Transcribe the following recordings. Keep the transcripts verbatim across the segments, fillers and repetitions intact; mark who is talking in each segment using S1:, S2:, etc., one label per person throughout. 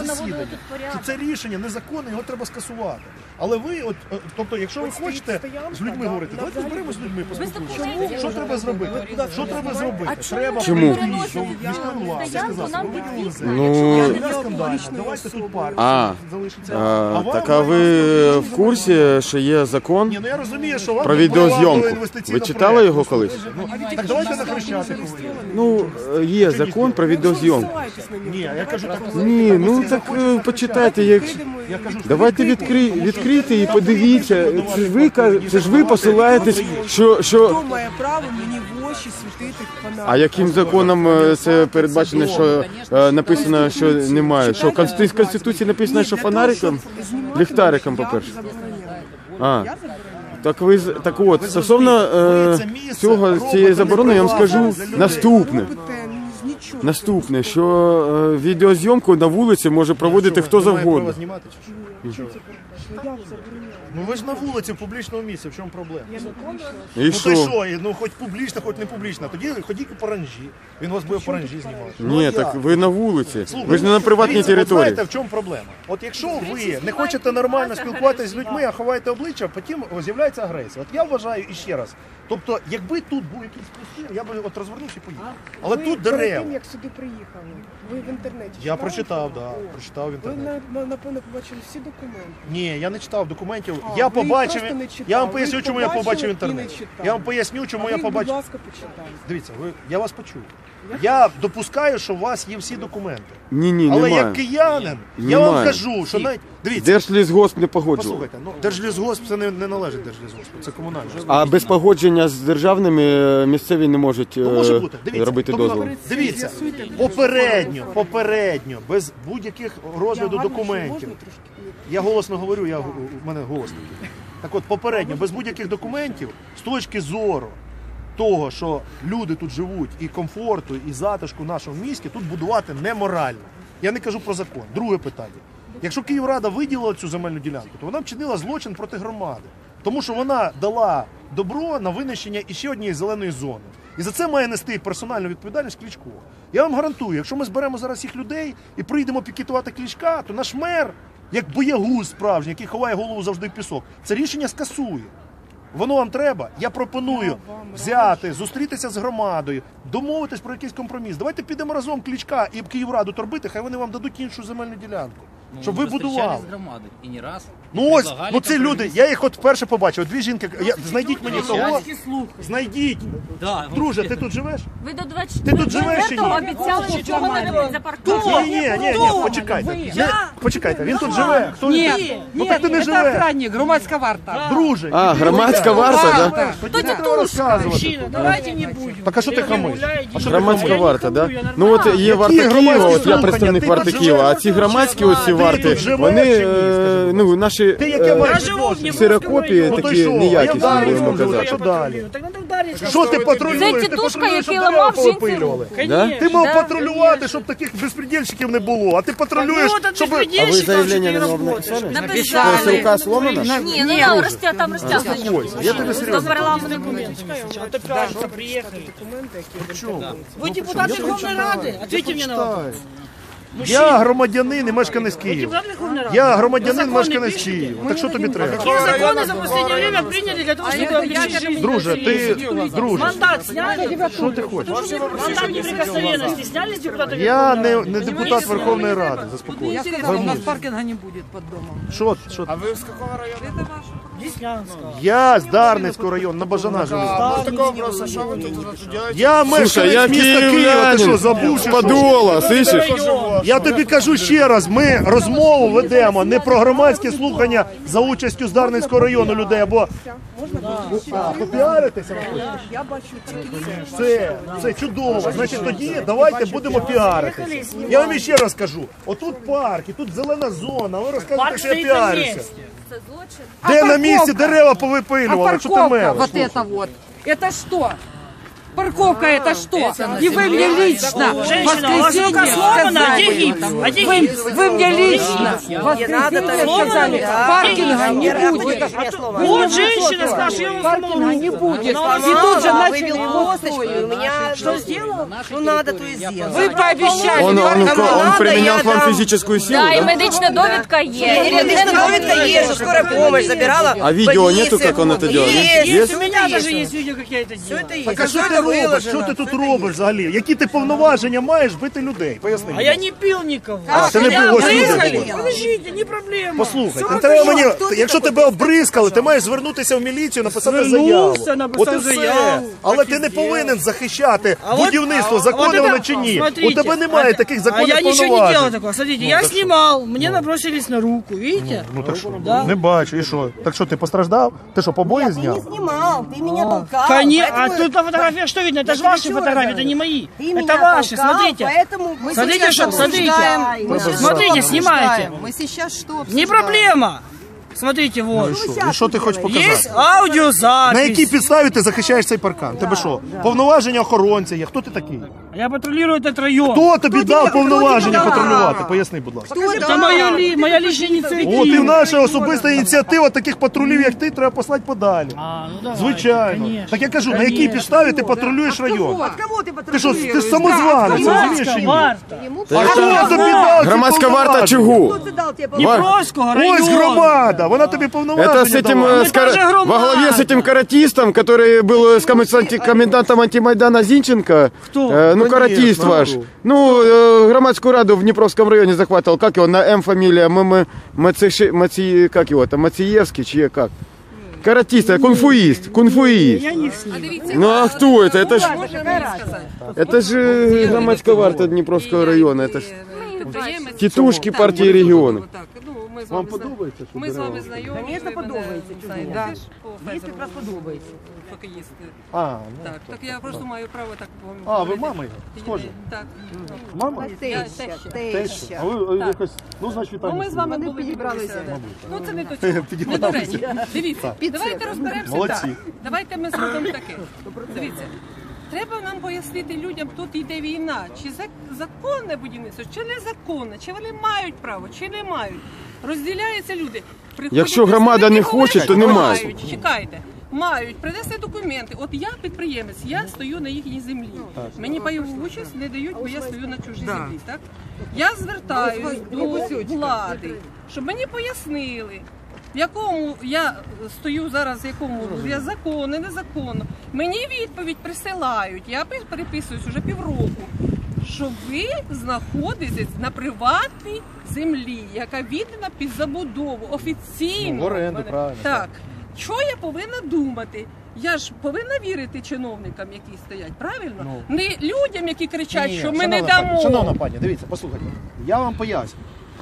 S1: засідання, що це рішення незаконне, його треба скасувати. Але ви, от, тобто, якщо ви хочете з людьми говорити, давайте зберемо з людьми, поспілкуємося. Що треба зробити? Що треба зробити? Треба прийти, що міської влади сказати, ви виділили землю. Давайте тут парк залишиться.
S2: Так, а ви в курсі, що є закон
S1: Ні, ну я розумію, що вам
S2: про відеозйомку? Ви читали його колись?
S1: Так давайте на Хрещатику.
S2: Ну, є закон про відеозйомку.
S1: Ні, я кажу так.
S2: Ні, ну так е, почитайте, як... Давайте відкри... відкрийте і подивіться. Це ж ви, каз- це ж ви посилаєтесь, що... що...
S3: Хто має право мені в очі світити фонариком?
S2: А яким законом е, це передбачено, що е, написано, що немає? Що в Конституції, в Конституції написано, що фонариком? Ліхтариком, по-перше. А, так ви з- так от, стосовно е, цього, цієї заборони, я вам скажу наступне. Наступне, що е, відеозйомку на вулиці може проводити хто завгодно.
S1: Ну ви ж на вулиці, в публічному місці, в чому проблема?
S2: І
S1: Ну
S2: що?
S1: то що, ну хоч публічно, хоч не публічно. Тоді ходіть по оранжі. Він вас буде по оранжі знімати.
S2: Ні, так ви на вулиці.
S1: Слухайте,
S2: Ви ж не на приватній
S1: дивіться, от
S2: території.
S1: знаєте, в чому проблема? От якщо ви не хочете нормально спілкуватися з людьми, а ховаєте обличчя, потім з'являється агресія. От я вважаю іще раз. Тобто, якби тут був якийсь простір, я би от розвернувся і поїхав. Але
S3: ви
S1: тут
S3: перед
S1: дерева.
S3: тим, як сюди приїхали, ви в інтернеті
S1: Я
S3: читали?
S1: прочитав, да, прочитав в
S3: Ви,
S1: інтернеті.
S3: на- на- напевно, побачили всі документи.
S1: Ні, я не читав документів.
S3: А,
S1: Я
S3: ви їх
S1: побачив,
S3: просто не читали.
S1: я вам
S3: Ви
S1: поясню,
S3: їх
S1: чому я
S3: побачили
S1: побачив
S3: і
S1: інтернет.
S3: не читали.
S1: Я вам поясню, чому
S3: А
S1: я
S3: ви їх,
S1: побачив.
S3: будь ласка, почитайте.
S1: Дивіться, ви, я вас почув. Я допускаю, що у вас є всі документи.
S2: Ні, ні,
S1: Але
S2: немає.
S1: як киянин, я вам
S2: Немає.
S1: кажу, що навіть... Дивіться,
S2: Держлісгосп не погоджував.
S1: послухайте, ну, Держлісгосп це не, не належить Держлісгоспу, це комунальне.
S2: А без погодження з державними е, місцеві не можуть е,
S1: Ну, може бути. Дивіться,
S2: робити
S1: тобто,
S2: дозвіл.
S1: Дивіться, попередньо, попередньо, без будь-яких розгляду документів. Я голосно говорю, я, у мене голос такий. Так от, попередньо, без будь-яких документів, з точки зору того, що люди тут живуть, і комфорту, і затишку в нашому місті, тут будувати неморально. Я не кажу про закон. Друге питання. Якщо Київрада виділила цю земельну ділянку, то вона вчинила злочин проти громади. Тому що вона дала добро на винищення іще однієї зеленої зони. І за це має нести персональну відповідальність Кличко. Я вам гарантую, якщо ми зберемо зараз всіх людей і прийдемо пікетувати Кличка, то наш мер, як боягуз справжній, який ховає голову завжди в пісок, це рішення скасує. Воно вам треба? Я пропоную взяти, зустрітися з громадою, домовитись про якийсь компроміс. Давайте підемо разом Кличка і Київраду торбити, хай вони вам дадуть іншу земельну ділянку.
S4: Ну,
S1: щоб ви будували.
S4: з громадою і не раз.
S1: Ну ось, ну ці люди, я їх от вперше побачив, дві жінки, я, знайдіть мені того, знайдіть.
S4: Да,
S1: Друже, ти тут живеш?
S5: Ви до двадцять
S1: Ти тут живеш чи ні?
S5: обіцяли нічого не робити за парком.
S1: Ні, ні, ні, ні, почекайте. Не, почекайте, він тут живе. Хто він?
S6: Нет,
S1: Ну
S6: нет,
S1: так ти не
S6: это
S1: живе.
S6: охранник, громадская варта.
S1: Друже.
S2: А,
S1: іди
S2: громадська
S1: гуляй.
S2: варта, да?
S1: Тоді не треба розказувати.
S6: Давайте не будем.
S1: Так а що ти хамиш? А що ти
S2: Громадська
S1: хамиш?
S2: варта, да? Ну от є варта
S1: громадські
S2: Києва, от я
S1: слухання?
S2: представник
S1: Ти
S2: варти
S1: тут
S2: Києва, а
S1: живеш?
S2: ці громадські оці варти,
S1: тут живеш
S2: вони,
S1: чи ні, скажи,
S2: е,
S1: будь
S2: ну, наші
S1: Ти яке
S2: е,
S1: маєш
S6: живу в
S1: відношення?
S6: Дніпровському
S2: ксерокопії
S1: Ну то й
S2: такі
S1: що? А я
S2: неякісні,
S1: далі
S2: будемо
S1: можу,
S2: казати.
S1: що далі?
S6: Так надо ударить.
S1: Що ти патрулюєш?
S5: Це
S1: Ти
S5: тітушка,
S1: патрулюєш, щоб
S5: який
S1: дерева
S5: ламав жінці
S1: повипилювали.
S2: Да?
S1: Ти мав
S5: Да.
S1: патрулювати, щоб таких безпредельщиків не було, а ти патрулюєш, щоб...
S2: А ви заявлення не написали?
S5: Написали.
S2: Це рука сломана?
S5: Ні, ну там розтя, там розтягнення.
S1: Ось, я тобі
S5: До
S1: серйозно.
S5: парламенту буде.
S6: приехали.
S3: Документи, які
S1: Чому?
S6: Вы депутат Верховной Рады? Ответьте мне на вопрос.
S1: Я громадянин і мешканець Києва.
S6: Депутат Верховной Рады.
S1: Я громадянин,
S6: Законы
S1: мешканець
S6: пишете?
S1: Києва. Так що тобі треба?
S6: Какие законы за последнее время приняли для того, чтобы облегчить жизнь?
S1: Друже, ти, друже,
S6: Мандат сняли?
S1: що ти хочеш?
S6: Мандат неприкосновенности сняли с депутата
S1: Я
S6: Верховной
S1: не, не депутат Верховної Ради, заспокойся.
S6: Я сказала, у нас паркинга не будет под домом.
S1: Що, що?
S7: А ви з якого району?
S6: Деснянского.
S1: Я з Дарницького району, на Бажана живу.
S7: А, ну такого просто, що ви тут робите?
S1: Я
S2: Слушай,
S1: мешканець
S2: я
S1: міста Києва, ти що,
S2: київлянин,
S1: забув,
S2: з
S1: чи що?
S2: Подола, слышиш?
S1: Я тобі кажу ще раз, ми розмову ведемо не про громадські слухання за участю з Дарницького району людей, або а, попіаритися. ви хочете?
S3: я бачу тільки це.
S1: Це, це чудово. Значить, тоді давайте будемо піаритися. Я вам ще раз кажу, отут парк, і тут зелена зона, ви розказуєте,
S6: Парк
S1: що я
S6: стоит на
S1: піарюся.
S6: месте.
S5: Це злочин.
S1: Де на
S6: парковка?
S1: місці дерева
S6: А
S1: повипилювали? Що ти
S6: парковка
S1: мелиш?
S6: вот это вот. Это что?
S4: Парковка это что? И вы мне лично в
S6: Женщина, у вас рука
S4: воскресенье
S6: сломана, а где
S4: сказали,
S6: гипс? А где
S4: вы,
S6: гипс?
S4: вы мне лично в воскресенье сказали, паркинга не будет.
S6: Вот женщина сказала, я вам
S4: Паркинга не будет. И тут же начали его строить.
S6: Что сделала?
S3: Ну надо, то и сделать.
S4: Вы пообещали.
S2: Он, он, он, он применял к вам
S3: дам.
S2: физическую силу,
S5: Да, і
S2: да?
S5: медична довідка є.
S3: Медичная довідка є, що скорая помощь забирала.
S2: А видео нету, как он это делал?
S3: Есть,
S6: Есть, у меня даже есть видео, как я это делаю.
S3: Это
S1: Так а що ти робиш? Що ти тут робиш взагалі? Які ти повноваження маєш бити людей? Поясни.
S6: А
S1: мені.
S6: я не пил никого.
S1: А, ти не
S6: Меня
S1: був, ось люди
S6: обрызгали.
S1: були.
S6: Подождите, не проблема.
S1: Послухай, не треба мені, якщо тебе обризкали, ти маєш звернутися в міліцію, написати заяву.
S6: Звернувся, написав
S1: От і все.
S6: заяву.
S1: Але
S6: Так
S1: ти
S6: і
S1: не
S6: зробив.
S1: повинен захищати
S6: А вот-
S1: будівництво,
S6: а-
S1: законне
S6: а вот
S1: воно
S6: это-
S1: чи ні. У
S6: смотрите,
S1: тебе немає таких
S6: А
S1: законних
S6: я ничего не делал
S1: повноважень.
S6: такого. Смотрите, я снимал, мне набросились на руку, видите?
S1: Ну так що?
S6: Да.
S1: Не бачу, і що? Так що, ти постраждав? Ти що, побої зняв?
S3: снимал, ты меня толкал.
S6: Конечно, а тут на фотографиях что видно? Это же ваши фотографии, это не мои. Это ваши, смотрите.
S3: Поэтому мы
S6: Смотрите, что, смотрите.
S3: обсуждаем.
S6: Смотрите, снимайте.
S3: Мы сейчас что
S6: Не проблема. Смотрите, вот.
S1: І що ти хочеш показати?
S6: Есть аудиозапись.
S1: На якій підставі ти захищаєш цей паркан? Тебе що? Повноваження охоронця є? Хто ти такий?
S6: Я патрулирую этот район.
S1: Хто тобі дав повноваження
S3: дав?
S1: патрулювати? Поясни, будь ласка.
S6: Это моя, ли, моя личная инициатива.
S1: От і наша особиста ініціатива таких патрулів, як ти, треба послати подалі.
S6: А, ну давай,
S1: Звичайно.
S6: конечно,
S1: Так я кажу, на
S6: конечно.
S1: якій підставі ти патрулюєш район?
S3: Кого ты
S1: Ти що, ти ж самозванець, розумієш чи ні?
S6: Варта.
S1: А хто тобі дав ці
S2: Громадская варта
S1: повноваження?
S2: чего?
S6: Днепровского района.
S1: Ось громада, вона тобі повноваження
S2: Это с этим,
S1: дала.
S2: э, с кар-
S6: тоже громада.
S2: во главе с этим каратистом, который был с комендант- комендантом антимайдана Зинченко.
S6: Кто?
S2: Э, ну,
S1: Конечно,
S2: каратист ваш.
S1: ну.
S2: Ну, э, громадскую раду в Днепровском районе захватывал. Как его, на М фамилия? М М Мациши- Маци- как его там, Мациевский, чье как? Каратист, а кунфуист, кунфуист.
S6: Я не с ним.
S2: Ну а кто это? Это ж, это же громадская варта Днепровского района. Это ж тітушки партії регіону.
S1: Вам подобається? що
S8: Ми з
S1: дерева?
S8: вами знайомі.
S3: Конечно,
S8: ви мене
S3: подобається,
S8: знаєте,
S3: да.
S8: теж по
S3: Есть
S8: Фейсбуку,
S3: прекрасно подобається.
S8: хокеїсти.
S1: А, ну,
S8: Так, так я просто маю право так вам
S1: А, ви
S8: говорити.
S1: мама його? Схожі?
S8: Так.
S1: Мама?
S8: Я
S3: Теща,
S8: теж.
S1: Теща. А ви е, якось, ну, значить,
S8: Ну,
S1: вітання.
S8: ми з вами були підібралися. Ну це не до цього. Не до
S1: Підібралися.
S8: речі. Дивіться, давайте розберемося.
S1: Молодці.
S8: Так. Давайте ми зробимо таке. Дивіться. Треба нам пояснити людям, тут йде війна, чи зак- законне будівництво, чи незаконне, чи вони мають право, чи не мають. Розділяються люди. Приходять
S2: Якщо громада не
S8: представники,
S2: хоче, то
S8: говорять,
S2: немає.
S8: що мають. Чекайте. Мають принести документи. От я підприємець, я стою на їхній землі. Мені пайову участь не дають, бо я стою на чужій землі. Так? Я звертаюсь до влади, щоб мені пояснили, в якому я стою зараз, в якому я законно, незаконно. Мені відповідь присилають, я переписуюсь вже півроку, що ви знаходитесь на приватній землі, яка віддана під забудову, офіційно.
S1: Ну, в оренду,
S8: Мене-
S1: правильно,
S8: Так. Що я повинна думати? Я ж повинна вірити чиновникам, які стоять, правильно?
S1: Ну.
S8: Не людям, які кричать,
S1: Ні,
S8: що ми
S1: шановна
S8: не
S1: пані,
S8: дамо.
S1: Шановна пані, дивіться, послухайте. Я вам поясню.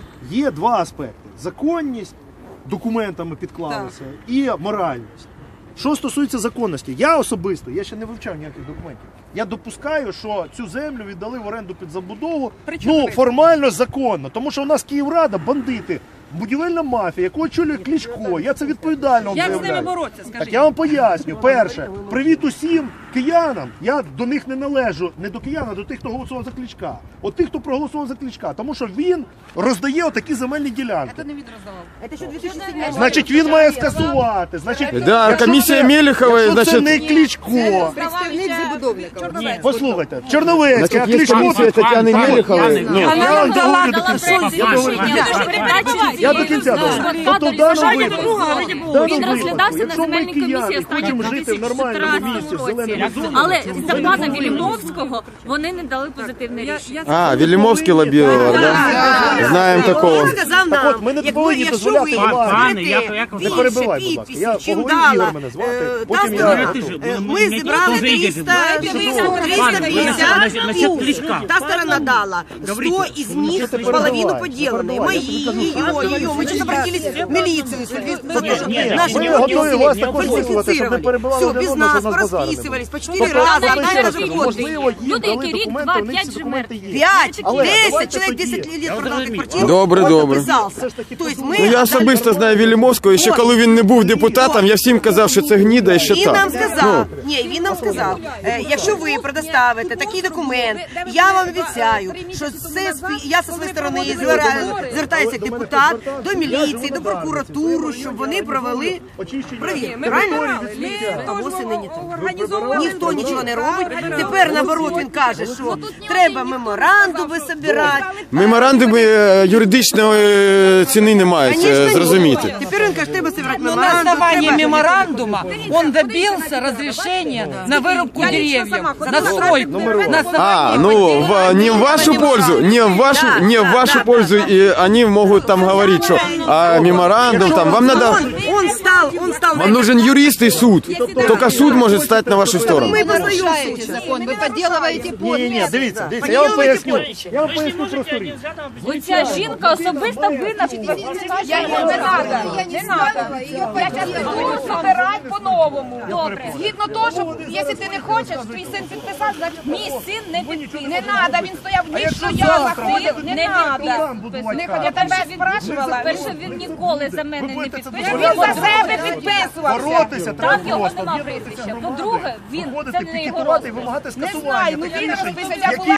S1: Є два аспекти: законність, документами підклалися, і моральність. Що стосується законності, я особисто, я ще не вивчав ніяких документів. Я допускаю, що цю землю віддали в оренду під забудову,
S8: При чому
S1: ну,
S8: ви?
S1: формально законно. Тому що у нас Київрада, бандити, будівельна мафія, яку очолює Кличко. Я це відповідально вам
S8: Як з ними
S1: заявляю.
S8: боротися, скажіть?
S1: Так я вам поясню. Перше, привіт усім киянам. Я до них не належу, не до киян, а до тих, хто голосував за Кличка. От тих, хто проголосував за Кличка. Тому що він роздає отакі земельні ділянки.
S8: Це не він роздавав.
S3: Это еще две тысячи седьмой год.
S1: Значить, він має скасувати. Значить,
S2: Да,
S1: якщо
S2: комісія
S1: це-
S2: Мелехової,
S1: якщо це
S2: значить-
S1: не Кличко.
S3: Представник забудовника.
S1: Послухайте, Чорновецький, а
S2: Значит, есть
S1: Кличко...
S2: комиссия Тетяны Мелеховой. Ну,
S1: Я вам
S5: дала
S1: договорю до
S5: дала
S1: кінця.
S5: сонці
S1: Я договорю до
S5: рішення,
S1: кінця.
S5: тож передачі
S1: Я до кінця договорю. Тобто в даному випадку, в даному
S5: Він
S1: випадку,
S5: розглядався на
S1: якщо ми
S5: земельній комісії
S1: кияни
S5: останнім
S1: хочемо жити в нормальному місці, в зеленому зоні,
S5: але за пана Вілімовського вони не дали позитивне рішення.
S2: А, Велимовский лоббировал, да? Знаем такого.
S3: Сказав
S1: Так
S3: нам,
S1: от, ми не
S3: як
S1: повинні
S3: ви-
S1: дозволяти
S3: якщо ви
S1: владі.
S6: Пане, я-
S3: будете
S6: як ви-
S1: Не
S3: більше
S1: перебивай, будь ласка. Я
S3: підписів, чим
S1: поговорю,
S3: дала,
S1: Ігор мене звати,
S3: е,
S1: потім
S3: та
S1: я
S3: сторона.
S1: готовий.
S3: Е, Ми зібрали триста п'ятдесят, та сторона дала сто из них половину поделанные, мои, ее, ее. Мы сейчас обратились в милицию, за то, что наши
S1: ми
S3: люди
S1: готові вас також вислухати, щоб не
S3: фальсифицировали.
S1: перебивали
S3: Все,
S1: один
S3: без
S1: одного,
S3: нас
S1: щоб нас базарили.
S3: порасписывались по четыре
S1: Тобто,
S3: раза,
S1: тобто, ще
S3: одна
S1: раз
S3: же
S1: кажу,
S3: годы.
S1: можливо, їм
S5: Люди,
S1: дали
S5: які рік,
S1: документи,
S5: два,
S1: у них
S5: п'ять
S1: ці
S5: же
S1: документи
S5: мертві.
S1: є.
S3: Пять,
S1: Але
S3: десять,
S1: давайте
S3: человек
S1: тоді.
S3: десять лет продал
S6: зрозумів.
S3: квартиру.
S2: Добре,
S3: он
S2: добре.
S3: написал подписался. То есть мы...
S2: Ну я особисто знаю Вільямовського, і ще коли він не був депутатом, я всім казав, що це гніда і що
S3: Він нам
S2: так.
S3: сказав, ні, він нам сказав, е, якщо ви предоставите такий документ, я вам обіцяю, що це спі- я зі своєї сторони звера- звертаюся як депутат до міліції, до прокуратури, щоб вони провели перевірку. Правильно? А восени ні так. Ніхто нічого не робить. Тепер, наоборот, він каже, що треба меморандуми збирати.
S2: Меморандуми е, юридичної ціни не мають, е,
S3: Конечно,
S2: зрозуміти.
S3: ні. Тепер він каже, треба збирати
S4: Но на
S3: меморандум.
S4: основании
S3: треба-
S4: меморандума он добился разрешения на вырубку деревьев, на стройку. На
S2: А,
S4: основании
S2: ну в, не в вашу пользу, не в вашу, не в вашу пользу, и они могут там говорить, что а меморандум там, вам надо,
S3: Он, он стал, он стал...
S2: вам нужен юрист и суд, только суд может стать на вашу сторону.
S3: Мы познаем
S9: закон, вы подделываете
S1: Ні, ні, ні,
S9: подпись.
S1: дивіться, дивіться, я вам поясню. Я вам поясню просто річ.
S5: Оця жінка особисто винна.
S9: Я не надо, не надо. Я сейчас буду собирать по-новому.
S5: Добре.
S9: Згідно того, що якщо ти не хочеш, твій син підписав, значить
S5: Мій син не підписав.
S9: не надо, він стояв ніч, що я заходив, не
S5: Не
S9: надо.
S5: підписав.
S9: Не хоть я тебе спрашивала.
S5: Перше, він ніколи за мене не підпише.
S9: Він за себе підписувався.
S1: Боротися треба
S5: Так його
S1: просто,
S5: нема
S1: об'єднатися
S5: прізвища.
S1: громадою,
S5: По-друге, він
S1: виходити,
S5: це не його
S1: пікетувати і
S5: розгляд.
S1: вимагати
S9: Не
S1: скасування
S9: знаю, ну
S1: таких
S9: він
S1: рішень,
S9: розписався. Я
S1: які
S9: була